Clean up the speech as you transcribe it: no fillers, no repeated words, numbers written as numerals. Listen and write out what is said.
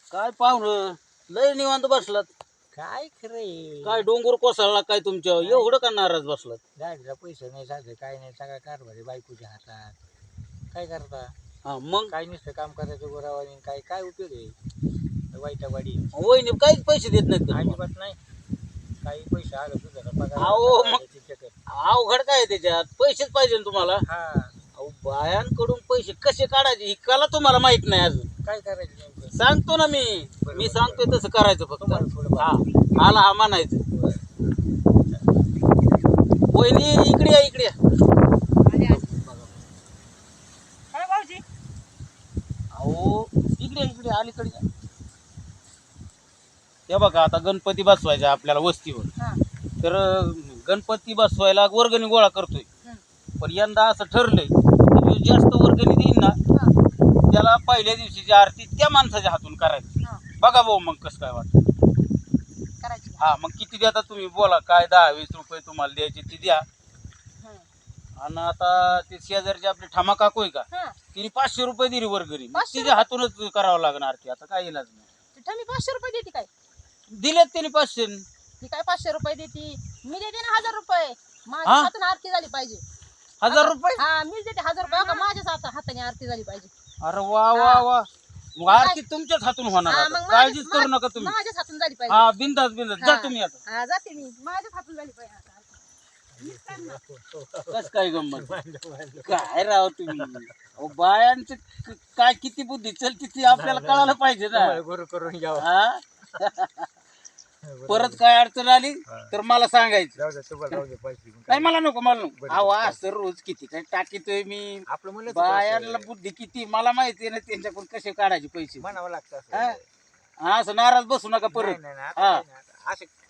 काय पाहुणं लय निवांत बसलात. काय खरंय काय डोंगर कोसळला काय तुमच्या एवढं का नाराज बसलात? गाडीला पैसे नाही साधे काय नाही सगळा कारभार बायकोच्या हातात. काय करता हा मग काय नुसतं काम करायचं गोरावानी काय काय उपयोग आहे वाईटावाडी वहिनी काहीच पैसे देत नाहीत का तुम्हाला? अजिबात नाही. काही पैसे आलं तुझा पगार अहो, आला, मग- त्याची चक्कर. अवघड काय आहे त्याच्यात? पैसेच पाहिजे ना तुम्हाला. हा अहो बायांकडून पैसे कसे काढायचे ही कला तुम्हाला माहित नाही अजून. काय करायचं नेमकं सांगतो ना मी सांगतोय तसं करायचं फक्त. तुम्हाला थोडं हा आला हा म्हणायचं. वहिनी इकडे या इकडे या. काय भाऊजी? अहो इकडे इकडे अलीकडे या. हे बघा आता गणपती बसवायचा आपल्याला वस्तीवर. हा. तर गणपती बसवायला वर्गणी गोळा करतोय. हं. पण यंदा असं ठरलंय की जो जास्त वर्गणी देईन ना हा. त्याला पहिल्या दिवशीची आरती त्या माणसाच्या हातून करायची. हा. बघा भाऊ मग कसं काय वाटतं. करायची. हा मग किती देता तुम्ही बोला काय 10-20 रुपये तुम्हाला द्यायचे ते द्या. हं. आणि आता ते शेजारचे आपले ठामा काकू आहे का हा. तिने 500 रुपये दिली वर्गणी. मग 500 तिच्या हातूनच करावं लागणार आरती. आता काय इलाज नाही. तिथं मी 500 रुपये देते काय? दिलेत त्यांनी 500. ती काय 500 रुपये देते? मी देते ना 1000 रुपये. माझ्या हा? हाताने आरती झाली पाहिजे. 1000 रुपये. हा मी देते 1000 रुपये. का माझ्याच हाताने आरती झाली पाहिजे. अरे वा वा वा. मग आरती तुमच्याच हातून होणार हा, आता. मग काळजीच माझ्या- करू नका तुम्ही. माझ्याच हातून झाली पाहिजे. हा बिंदास बिंदास जा हा. तुम्ही आता. हा जाते मी. माझ्याच हातून झाली पाहिजे आता आरती. मीच करणार. कस काय गंमत काय राव तुम्ही अहो, बायांचं काय किती बुद्धी चलती ती आपल्याला कळायला पाहिजे ना. तुम्हाला गुरु करून घ्यावं. हा? परत काय अडचण आली तर मला सांगायचं. जाऊ दे तुम्हाला जाऊ दे पैसे नाही मला नको नको बरं, अहो असं रोज किती काय टाकीतोय मी. आपलं म्हणलं बायांना बुद्धी किती मला माहिती ना त्यांच्याकडून कसे काढायचे पैसे. म्हणावं लागतं हा? असं. हा, असं नाराज बसू नका परत. नाही, नाही, हा. आता असं